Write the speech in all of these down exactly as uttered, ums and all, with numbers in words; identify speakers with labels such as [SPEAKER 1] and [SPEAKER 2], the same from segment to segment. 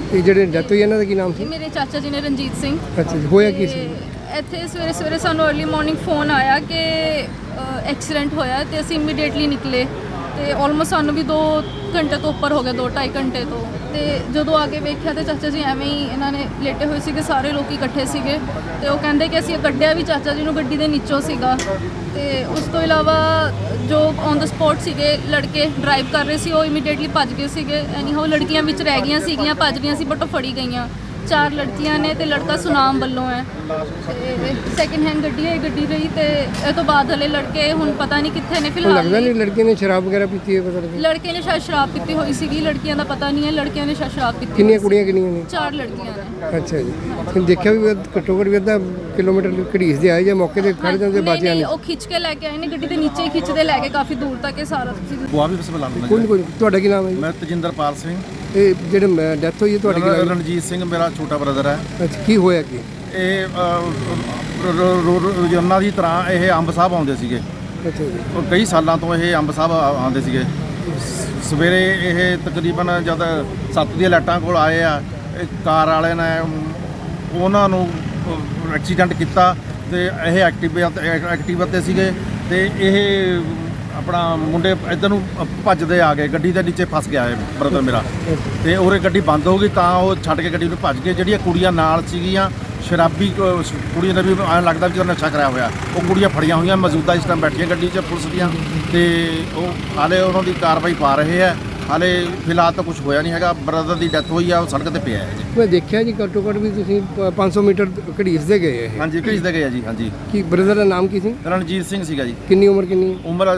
[SPEAKER 1] ਇਹ ਜਿਹੜੇ ਡੈਥ ਹੋਈ ਇਹਨਾਂ ਦਾ ਕੀ ਨਾਮ ਸੀ?
[SPEAKER 2] ਮੇਰੇ ਚਾਚਾ ਜੀ ਨੇ ਰਣਜੀਤ ਸਿੰਘ।
[SPEAKER 1] ਅੱਛਾ ਜੀ, ਹੋਇਆ ਕੀ ਸੀ?
[SPEAKER 2] ਇੱਥੇ ਸਵੇਰੇ ਸਵੇਰੇ ਸਾਨੂੰ अर्ਲੀ ਮਾਰਨਿੰਗ ਫੋਨ ਆਇਆ ਕਿ ਐਕਸੀਡੈਂਟ ਹੋਇਆ ਤੇ ਅਸੀਂ ਇਮੀਡੀਏਟਲੀ ਨਿਕਲੇ ਤੇ ਆਲਮੋਸਟ ਸਾਨੂੰ ਵੀ ਦੋ ਘੰਟੇ ਤੋਂ ਉੱਪਰ ਹੋ ਗਿਆ, ਦੋ ਢਾਈ ਘੰਟੇ ਤੋਂ। ਤੇ ਜਦੋਂ ਆ ਕੇ ਵੇਖਿਆ ਤੇ ਚਾਚਾ ਜੀ ਐਵੇਂ ਹੀ ਇਹਨਾਂ ਨੇ ਲੇਟੇ ਹੋਏ ਸੀਗੇ, ਸਾਰੇ ਲੋਕ ਇਕੱਠੇ ਸੀਗੇ ਤੇ ਉਹ ਕਹਿੰਦੇ ਕਿ ਅਸੀਂ ਕੱਢਿਆ ਵੀ ਚਾਚਾ ਜੀ ਨੂੰ ਗੱਡੀ ਦੇ ਨੀਚੋਂ ਸੀਗਾ। ਤੇ ਉਸ ਤੋਂ ਇਲਾਵਾ ਜੋ ਔਨ ਦਾ ਸਪੌਟ ਸੀਗੇ ਲੜਕੇ ਡਰਾਈਵ ਕਰ ਰਹੇ ਸੀ ਉਹ ਇਮੀਡੀਏਟਲੀ ਭੱਜ ਗਏ ਸੀਗੇ। ਐਨੀ ਹਾਊ ਲੜਕੀਆਂ ਵਿੱਚ ਰਹਿ ਗਈਆਂ ਸੀਗੀਆਂ, ਭੱਜ ਗਈਆਂ ਸੀ ਬਟ ਉਹ ਫੜੀ ਗਈਆਂ। ਚਾਰ ਲੜਕੀਆਂ ਨੇ ਤੇ ਲੜਕਾ ਸੁਨਾਮ ਵੱਲੋਂ ਹੈ ਤੇ ਸੈਕਿੰਡ ਹੈਂਡ ਗੱਡੀ ਹੈ ਗੱਡੀ ਰਹੀ। ਤੇ ਇਹ ਤੋਂ ਬਾਅਦ ਹਲੇ ਲੜਕੇ ਹੁਣ ਪਤਾ ਨਹੀਂ ਕਿੱਥੇ ਨੇ ਫਿਲਹਾਲ।
[SPEAKER 1] ਲੱਗਦਾ ਨਹੀਂ ਲੜਕੀ ਨੇ ਸ਼ਰਾਬ ਵਗੈਰਾ ਪੀਤੀ ਹੈ? ਪਤਾ ਨਹੀਂ
[SPEAKER 2] ਲੜਕੇ ਨੇ ਸ਼ਾਇਦ ਸ਼ਰਾਬ ਪੀਤੀ ਹੋਈ ਸੀਗੀ, ਲੜਕੀਆਂ ਦਾ ਪਤਾ ਨਹੀਂ ਹੈ। ਲੜਕਿਆਂ ਨੇ ਸ਼ਾਇਦ ਸ਼ਰਾਬ ਪੀਤੀ।
[SPEAKER 1] ਕਿੰਨੀਆਂ ਕੁੜੀਆਂ ਕਿੰਨੀਆਂ ਨੇ?
[SPEAKER 2] ਚਾਰ ਲੜਕੀਆਂ ਨੇ।
[SPEAKER 1] ਅੱਛਾ ਜੀ, ਤੁਸੀਂ ਦੇਖਿਆ ਵੀ ਘੱਟੋ ਘੱਟ ਵੀ ਅੱਧਾ ਕਿਲੋਮੀਟਰ ਘੜੀਸ ਦੇ ਆਏ ਜਾਂ ਮੌਕੇ ਤੇ ਖੜ ਜਾਂਦੇ ਬਾਜੀਆਂ ਨੇ?
[SPEAKER 2] ਉਹ ਖਿੱਚ ਕੇ ਲੈ ਕੇ ਆਏ ਨੇ ਗੱਡੀ ਦੇ ਨੀਚੇ ਹੀ ਖਿੱਚਦੇ ਲੈ ਕੇ ਕਾਫੀ ਦੂਰ ਤੱਕ। ਇਹ ਸਾਰਾ ਤੁਸੀਂ
[SPEAKER 3] ਬੁਆ ਵੀ ਬਸਮਲਾ ਨੂੰ
[SPEAKER 1] ਕੋਈ ਕੋਈ ਤੁਹਾਡਾ ਕੀ ਨਾਮ ਹੈ ਜੀ?
[SPEAKER 3] ਮੈਂ ਤਜਿੰਦਰਪਾਲ ਸਿੰਘ।
[SPEAKER 1] ਇਹ ਜਿਹੜੇ ਡੈਥ ਹੋਈ ਹੈ ਤੁਹਾਡੀ ਕੀ ਨਾਮ?
[SPEAKER 3] ਰਣਜੀਤ ਸਿੰਘ ਮੇਰਾ ਛੋਟਾ ਬ੍ਰਦਰ ਹੈ।
[SPEAKER 1] ਅੱਛਾ, ਕੀ ਹੋਇਆ ਕੀ?
[SPEAKER 3] ਇਹ ਰੋਜ਼ਾਨਾ ਦੀ ਤਰ੍ਹਾਂ ਇਹ ਅੰਬ ਸਾਹਿਬ ਆਉਂਦੇ ਸੀਗੇ।
[SPEAKER 1] ਅੱਛਾ ਜੀ,
[SPEAKER 3] ਉਹ ਕਈ ਸਾਲਾਂ ਤੋਂ ਇਹ ਅੰਬ ਸਾਹਿਬ ਆਉਂਦੇ ਸੀਗੇ। ਸਵੇਰੇ ਇਹ ਤਕਰੀਬਨ ਜਦ ਸੱਤ ਦੀਆਂ ਲਾਈਟਾਂ ਕੋਲ ਆਏ ਆ, ਇਹ ਕਾਰ ਵਾਲੇ ਨੇ ਉਹਨਾਂ ਨੂੰ ਐਕਸੀਡੈਂਟ ਕੀਤਾ ਤੇ ਇਹ ਐਕਟਿਵਾ ਐਕਟਿਵਾ 'ਤੇ ਸੀਗੇ ਤੇ ਇਹ ਆਪਣਾ ਮੁੰਡੇ ਇੱਧਰ ਨੂੰ ਭੱਜਦੇ ਆ ਗਏ, ਗੱਡੀ ਦੇ ਨੀਚੇ ਫਸ ਗਿਆ ਇਹ ਬ੍ਰਦਰ ਮੇਰਾ। ਤੇ ਉਹਰੇ ਗੱਡੀ ਬੰਦ ਹੋ ਗਈ ਤਾਂ ਉਹ ਛੱਡ ਕੇ ਗੱਡੀ ਨੂੰ ਭੱਜ ਗਏ। ਜਿਹੜੀਆਂ ਕੁੜੀਆਂ ਨਾਲ ਸੀਗੀਆਂ ਸ਼ਰਾਬੀ ਕੁੜੀਆਂ ਦਾ ਵੀ ਐਂ ਲੱਗਦਾ ਵੀ ਉਹ ਨਸ਼ਾ ਕਰਿਆ ਹੋਇਆ, ਉਹ ਕੁੜੀਆਂ ਫੜੀਆਂ ਹੋਈਆਂ ਮੌਜੂਦਾ ਇਸ ਟਾਈਮ ਬੈਠੀਆਂ ਗੱਡੀ 'ਚ ਪੁਲਿਸ ਦੀਆਂ। ਤੇ ਉਹ ਹਾਲੇ ਉਹਨਾਂ ਦੀ ਕਾਰਵਾਈ ਪਾ ਰਹੇ ਆ। ਹਾਲੇ ਫਿਲਹਾਲ ਤਾਂ ਕੁਝ ਹੋਇਆ ਨਹੀਂ ਹੈਗਾ। ਬ੍ਰਦਰ ਦੀ ਡੈਥ ਹੋਈ ਆ, ਉਹ ਸੜਕ ਤੇ ਪਿਆ ਹੈ ਜੀ।
[SPEAKER 1] ਮੈਂ ਦੇਖਿਆ ਜੀ ਘੱਟੋ ਘੱਟ ਵੀ ਤੁਸੀਂ ਪੰਜ ਸੌ ਮੀਟਰ ਘੜੀਸਦੇ ਗਏ ਇਹ।
[SPEAKER 3] ਹਾਂਜੀ, ਭੇਜਦੇ ਗਏ ਆ ਜੀ। ਹਾਂਜੀ।
[SPEAKER 1] ਕੀ ਬ੍ਰਦਰ ਦਾ ਨਾਮ ਕੀ ਸੀ?
[SPEAKER 3] ਰਣਜੀਤ ਸਿੰਘ ਸੀਗਾ ਜੀ।
[SPEAKER 1] ਕਿੰਨੀ ਉਮਰ ਕਿੰਨੀ?
[SPEAKER 3] ਉਮਰ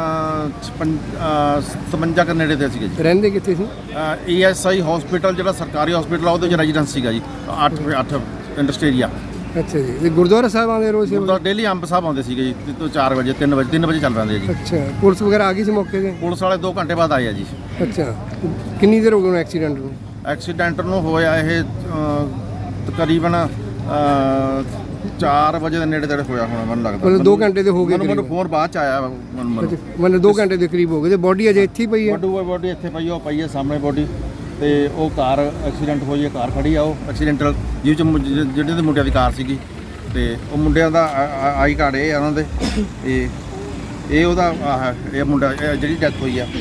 [SPEAKER 3] ਸਤਵੰਜਾ ਦੇ ਨੇੜੇ ਤੇ ਸੀਗੇ ਜੀ।
[SPEAKER 1] ਰਹਿੰਦੇ ਕਿੱਥੇ ਸੀ?
[SPEAKER 3] ਈ ਐਸ ਆਈ ਹਸਪੀਟਲ ਜਿਹੜਾ ਸਰਕਾਰੀ ਹਸਪੀਟਲ ਆ ਉਹਦੇ 'ਚ ਰੈਜ਼ੀਡੈਂਸ ਸੀਗਾ ਜੀ। ਅੱਠ ਅੱਠ ਇੰਡਸਟਰੀਆ।
[SPEAKER 1] ਅੱਛਾ ਜੀ, ਤੇ ਗੁਰਦੁਆਰਾ ਸਾਹਿਬ ਆਉਂਦੇ ਰੋਜ਼?
[SPEAKER 3] ਗੁਰਦੁਆਰਾ ਡੇਲੀ ਅੰਬ ਸਾਹਿਬ ਆਉਂਦੇ ਸੀਗੇ ਜੀ ਤੋਂ ਚਾਰ ਵਜੇ ਤਿੰਨ ਵਜੇ ਤਿੰਨ ਵਜੇ ਚੱਲ ਪੈਂਦੇ ਜੀ।
[SPEAKER 1] ਅੱਛਾ, ਪੁਲਿਸ ਵਗੈਰਾ ਆ ਗਈ ਸੀ ਮੌਕੇ ਤੇ?
[SPEAKER 3] ਪੁਲਿਸ ਵਾਲੇ ਦੋ ਘੰਟੇ ਬਾਅਦ ਆਏ ਆ ਜੀ।
[SPEAKER 1] ਅੱਛਾ, ਕਿੰਨੀ ਦੇਰ ਹੋ ਗਈ ਐਕਸੀਡੈਂਟ ਨੂੰ?
[SPEAKER 3] ਐਕਸੀਡੈਂਟ ਨੂੰ ਹੋਇਆ ਇਹ ਤਕਰੀਬਨ ਚਾਰ ਵਜੇ ਦੇ ਨੇੜੇ ਤੇੜੇ ਹੋਇਆ ਹੋਣਾ ਮੈਨੂੰ ਲੱਗਦਾ।
[SPEAKER 1] ਮਤਲਬ ਦੋ ਘੰਟੇ ਦੇ ਹੋ ਗਏ?
[SPEAKER 3] ਮੈਨੂੰ ਫੋਨ ਬਾਅਦ ਚ ਆਇਆ ਮੈਨੂੰ।
[SPEAKER 1] ਮਤਲਬ ਦੋ ਘੰਟੇ ਦੇ ਕਰੀਬ ਹੋ ਗਏ ਤੇ ਬੋਡੀ ਅਜੇ ਇੱਥੇ ਹੀ ਪਈ ਹੈ?
[SPEAKER 3] ਬੋਡੀ ਇੱਥੇ ਪਈ, ਉਹ ਪਈ ਹੈ ਸਾਹਮਣੇ ਬੋਡੀ। ਤੇ ਉਹ ਕਾਰ ਐਕਸੀਡੈਂਟ ਹੋਈ ਹੈ, ਕਾਰ ਖੜੀ ਆ ਉਹ ਐਕਸੀਡੈਂਟਲ ਜਿਹਦੇ ਚ ਜਿਹੜੇ ਦੇ ਮੁੰਡਿਆਂ ਦੀ ਕਾਰ ਸੀਗੀ। ਤੇ ਉਹ ਮੁੰਡਿਆਂ ਦਾ ਆਈ ਕਾਰਡ ਇਹ ਆ ਉਹਨਾਂ ਦੇ। ਇਹ ਇਹ ਉਹਦਾ ਇਹ ਮੁੰਡਾ ਜਿਹੜੀ ਡੈਥ ਹੋਈ ਆ,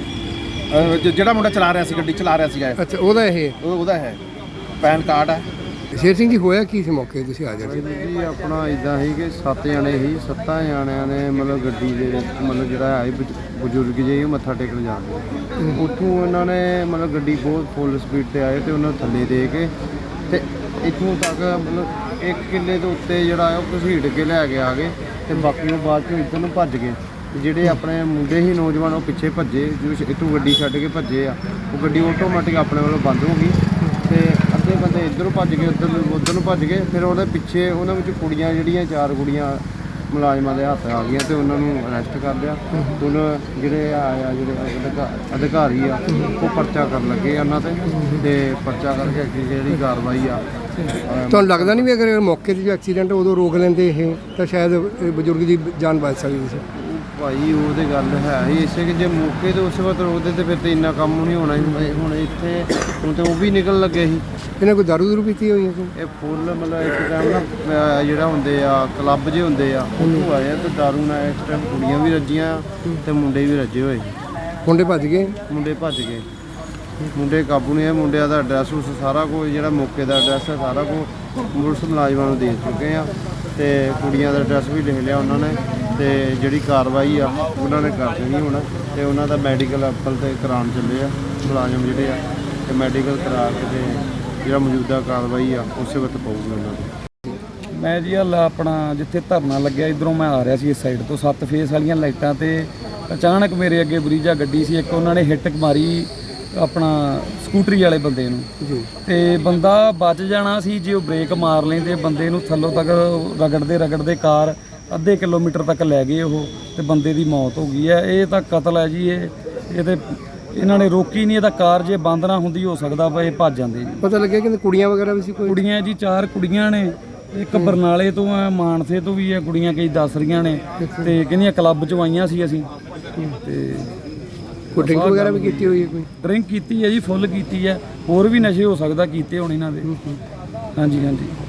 [SPEAKER 3] ਜਿਹੜਾ ਮੁੰਡਾ ਚਲਾ ਰਿਹਾ ਸੀ ਗੱਡੀ ਚਲਾ ਰਿਹਾ ਸੀਗਾ।
[SPEAKER 1] ਅੱਛਾ, ਉਹਦਾ ਇਹ
[SPEAKER 3] ਉਹਦਾ ਹੈ ਪੈਨ ਕਾਰਡ ਹੈ।
[SPEAKER 1] ਸ਼ੇਰ ਸਿੰਘ ਜੀ, ਹੋਇਆ ਕੀ ਸੀ ਮੌਕੇ ਤੇ ਤੁਸੀਂ ਆ ਜਾਂਦੇ?
[SPEAKER 4] ਜੀ ਆਪਣਾ ਇਦਾਂ ਸੀ ਕਿ ਸੱਤ ਜਣੇ ਸੀ, ਸੱਤਾਂ ਜਣਿਆਂ ਨੇ ਮਤਲਬ ਗੱਡੀ ਦੇ ਮਤਲਬ ਜਿਹੜਾ ਹੈ ਬਜ਼ੁਰਗ ਜਿਹੇ ਮੱਥਾ ਟੇਕਣ ਜਾਂਦੇ। ਉੱਥੋਂ ਉਹਨਾਂ ਨੇ ਮਤਲਬ ਗੱਡੀ ਬਹੁਤ ਫੁੱਲ ਸਪੀਡ ਤੇ ਆਏ ਤੇ ਉਹਨਾਂ ਨੂੰ ਥੱਲੇ ਦੇ ਕੇ ਤੇ ਇੱਥੋਂ ਤੱਕ ਮਤਲਬ ਇੱਕ ਕਿੱਲੇ ਦੇ ਉੱਤੇ ਜਿਹੜਾ ਹੈ ਉਹ ਘਸੀਟ ਕੇ ਲੈ ਕੇ ਆ ਗਏ ਤੇ ਬਾਕੀ ਉਹ ਬਾਅਦ ਚੋਂ ਇੱਧਰ ਨੂੰ ਭੱਜ ਗਏ। ਜਿਹੜੇ ਆਪਣੇ ਮੁੰਡੇ ਸੀ ਨੌਜਵਾਨ ਉਹ ਪਿੱਛੇ ਭੱਜੇ, ਜੋ ਇੱਥੋਂ ਗੱਡੀ ਛੱਡ ਕੇ ਭੱਜੇ ਆ। ਉਹ ਗੱਡੀ ਆਟੋਮੈਟਿਕ ਆਪਣੇ ਵੱਲੋਂ ਬੰਦ ਹੋ ਗਈ ਤੇ ਅੱਧੇ ਬੰਦੇ ਇੱਧਰੋਂ ਭੱਜ ਗਏ, ਉੱਧਰ ਉੱਧਰ ਨੂੰ ਭੱਜ ਗਏ। ਫਿਰ ਉਹਦੇ ਪਿੱਛੇ ਉਹਨਾਂ ਵਿੱਚ ਕੁੜੀਆਂ ਜਿਹੜੀਆਂ ਚਾਰ ਕੁੜੀਆਂ ਮੁਲਾਜ਼ਮਾਂ ਦੇ ਹੱਥ ਆ ਗਈਆਂ ਤੇ ਉਹਨਾਂ ਨੂੰ ਅਰੈਸਟ ਕਰ ਲਿਆ। ਹੁਣ ਜਿਹੜੇ ਆ ਜਿਹੜੇ ਅਧਿਕਾਰੀ ਆ ਉਹ ਪਰਚਾ ਕਰਨ ਲੱਗੇ ਉਹਨਾਂ ਤੇ ਤੇ ਪਰਚਾ ਕਰਕੇ ਅੱਗੇ ਜਿਹੜੀ ਕਾਰਵਾਈ ਆ।
[SPEAKER 1] ਤੁਹਾਨੂੰ ਲੱਗਦਾ ਨਹੀਂ ਵੀ ਅਗਰ ਮੌਕੇ 'ਤੇ ਜੋ ਐਕਸੀਡੈਂਟ ਉਦੋਂ ਰੋਕ ਲੈਂਦੇ ਇਹ ਤਾਂ ਸ਼ਾਇਦ ਬਜ਼ੁਰਗ ਦੀ ਜਾਨ ਬਚ ਸਕਦੀ ਸੀ?
[SPEAKER 4] ਭਾਈ ਉਹ ਤੇ ਗੱਲ ਹੈ ਹੀ ਇਸੇ ਕਿ ਜੇ ਮੌਕੇ ਤੇ ਉਸ ਵਕਤ ਰੋਕਦੇ ਤੇ ਫਿਰ ਤੇ ਇੰਨਾ ਕੰਮ ਨਹੀਂ ਹੋਣਾ ਸੀ। ਹੁਣ ਇੱਥੇ ਹੁਣ ਤੇ ਉਹ ਵੀ ਨਿਕਲ ਲੱਗੇ ਸੀ।
[SPEAKER 1] ਇਹਨਾਂ ਕੋਈ ਦਾਰੂ ਦੂਰੂ ਪੀਤੀ ਹੋਈ ਹੈ?
[SPEAKER 4] ਇਹ ਫੁੱਲ ਮਤਲਬ ਇੱਕ ਟਾਈਮ ਨਾ ਜਿਹੜਾ ਹੁੰਦੇ ਆ ਕਲੱਬ ਜੇ ਹੁੰਦੇ ਆ ਉਹ ਆਏ ਆ ਤੇ ਦਾਰੂ ਨਾਲ ਇਸ ਟਾਈਮ ਕੁੜੀਆਂ ਵੀ ਰੱਜੀਆਂ ਤੇ ਮੁੰਡੇ ਵੀ ਰੱਜੇ ਹੋਏ।
[SPEAKER 1] ਮੁੰਡੇ ਭੱਜ ਗਏ?
[SPEAKER 4] ਮੁੰਡੇ ਭੱਜ ਗਏ, ਮੁੰਡੇ ਕਾਬੂ ਨਹੀਂ ਆਏ। ਮੁੰਡਿਆਂ ਦਾ ਐਡਰੈਸ ਉਸ ਸਾਰਾ ਕੁਝ ਜਿਹੜਾ ਮੌਕੇ ਦਾ ਐਡਰੈਸ ਹੈ ਸਾਰਾ ਕੁਝ ਪੁਲਿਸ ਮੁਲਾਜ਼ਮਾਂ ਨੂੰ ਦੇ ਚੁੱਕੇ ਆ ਤੇ ਕੁੜੀਆਂ ਦਾ ਐਡਰੈਸ ਵੀ ਲਿਖ ਲਿਆ ਉਹਨਾਂ ਨੇ। ਤੇ ਜਿਹੜੀ ਕਾਰਵਾਈ ਆ ਉਹਨਾਂ ਨੇ ਕਰ ਦੇਣੀ ਹੁਣ ਤੇ ਉਹਨਾਂ ਦਾ ਮੈਡੀਕਲ ਐਪਲ ਤੇ ਕਰਾਉਣ ਚੱਲੇ ਆ ਮੁਲਾਜ਼ਮ ਜਿਹੜੇ ਆ ਤੇ ਮੈਡੀਕਲ ਕਰਾ ਕੇ ਤੇ ਜਿਹੜਾ ਮੌਜੂਦਾ ਕਾਰਵਾਈ ਆ ਉਸੇ ਵਕਤ ਪਊਗੀ ਉਹਨਾਂ ਦੀ।
[SPEAKER 5] ਮੈਂ ਜੀ ਹਲ ਆਪਣਾ ਜਿੱਥੇ ਧਰਨਾ ਲੱਗਿਆ ਇੱਧਰੋਂ ਮੈਂ ਆ ਰਿਹਾ ਸੀ ਇਸ ਸਾਈਡ ਤੋਂ ਸੱਤ ਫੇਸ ਵਾਲੀਆਂ ਲਾਈਟਾਂ ਤੇ ਅਚਾਨਕ ਮੇਰੇ ਅੱਗੇ ਬਰੀਜਾ ਗੱਡੀ ਸੀ ਇੱਕ, ਉਹਨਾਂ ਨੇ ਹਿੱਟ ਮਾਰੀ ਆਪਣਾ ਸਕੂਟਰੀ ਵਾਲੇ ਬੰਦੇ ਨੂੰ ਜੀ। ਤੇ ਬੰਦਾ ਬਚ ਜਾਣਾ ਸੀ ਜੇ ਉਹ ਬ੍ਰੇਕ ਮਾਰ ਲੈਂਦੇ। ਬੰਦੇ ਨੂੰ ਥੱਲੋਂ ਤੱਕ ਰਗੜਦੇ ਰਗੜਦੇ ਕਾਰ ਅੱਧੇ ਕਿਲੋਮੀਟਰ ਤੱਕ ਲੈ ਗਏ ਉਹ ਤੇ ਬੰਦੇ ਦੀ ਮੌਤ ਹੋ ਗਈ ਹੈ। ਇਹ ਤਾਂ ਕਤਲ ਹੈ ਜੀ। ਇਹ ਇਹ ਤੇ ਇਹਨਾਂ ਨੇ ਰੋਕੀ ਨਹੀਂ। ਇਹਦਾ ਕਾਰ ਜੇ ਬੰਦ ਨਾ ਹੁੰਦੀ ਹੋ ਸਕਦਾ ਵਾ ਇਹ ਭੱਜ ਜਾਂਦੇ ਜੀ।
[SPEAKER 1] ਪਤਾ ਲੱਗਿਆ ਕਿ ਕੁੜੀਆਂ ਵਗੈਰਾ ਵੀ ਸੀ? ਕੋਈ
[SPEAKER 5] ਕੁੜੀਆਂ ਜੀ ਚਾਰ ਕੁੜੀਆਂ ਨੇ, ਇੱਕ ਬਰਨਾਲੇ ਤੋਂ ਆ, ਮਾਨਸੇ ਤੋਂ ਵੀ ਹੈ ਕੁੜੀਆਂ ਕਈ ਦੱਸ ਰਹੀਆਂ ਨੇ ਤੇ ਕਹਿੰਦੀਆਂ ਕਲੱਬ 'ਚ ਆਈਆਂ ਸੀ ਅਸੀਂ ਤੇ
[SPEAKER 1] ਕੋਈ ਡਰਿੰਕ ਵਗੈਰਾ ਵੀ ਕੀਤੀ ਹੋਈ ਹੈ ਕੋਈ?
[SPEAKER 5] ਡਰਿੰਕ ਕੀਤੀ ਹੈ ਜੀ, ਫੁੱਲ ਕੀਤੀ ਹੈ, ਹੋਰ ਵੀ ਨਸ਼ੇ ਹੋ ਸਕਦਾ ਕੀਤੇ ਹੋਣ ਇਹਨਾਂ ਦੇ। ਹਾਂਜੀ ਹਾਂਜੀ